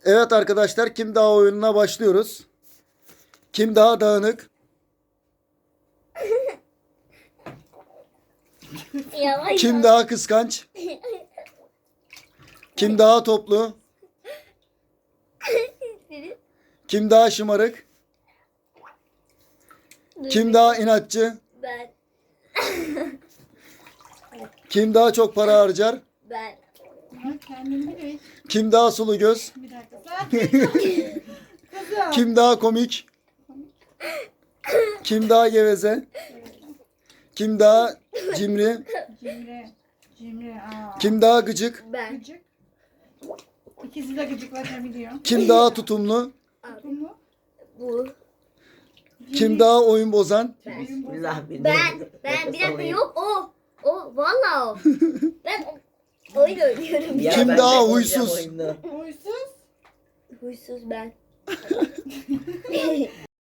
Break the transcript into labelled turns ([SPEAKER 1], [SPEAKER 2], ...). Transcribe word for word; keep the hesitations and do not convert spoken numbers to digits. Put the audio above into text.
[SPEAKER 1] Evet arkadaşlar, kim daha oyununa başlıyoruz. Kim daha dağınık?
[SPEAKER 2] Yavaş
[SPEAKER 1] Kim
[SPEAKER 2] yavaş.
[SPEAKER 1] daha kıskanç? Kim daha toplu? Kim daha şımarık? Kim daha inatçı?
[SPEAKER 2] Ben.
[SPEAKER 1] Kim daha çok para harcar?
[SPEAKER 2] Ben.
[SPEAKER 3] Ama kendini bil.
[SPEAKER 1] Kim daha sulu göz?
[SPEAKER 3] Bir dakika. Sakin. Kızım.
[SPEAKER 1] Kim daha komik? Kim daha geveze? Kim daha cimri?
[SPEAKER 3] Cimri. Cimri. Aa.
[SPEAKER 1] Kim daha gıcık?
[SPEAKER 2] Ben.
[SPEAKER 3] Gıcık. İkisi de gıcıklaşabiliyor.
[SPEAKER 1] Kim daha tutumlu?
[SPEAKER 3] Tutumlu.
[SPEAKER 2] Bu.
[SPEAKER 1] Kim daha oyun bozan?
[SPEAKER 4] Bismillah.
[SPEAKER 2] Ben. Ben. Bir dakika yok o. O. Vallahi o. Ben oyun oynuyorum.
[SPEAKER 4] Ya
[SPEAKER 1] Kim
[SPEAKER 4] ben
[SPEAKER 1] daha
[SPEAKER 4] de
[SPEAKER 1] huysuz?
[SPEAKER 4] oynayacağım oyunu.
[SPEAKER 3] Huysuz.
[SPEAKER 2] Huysuz ben.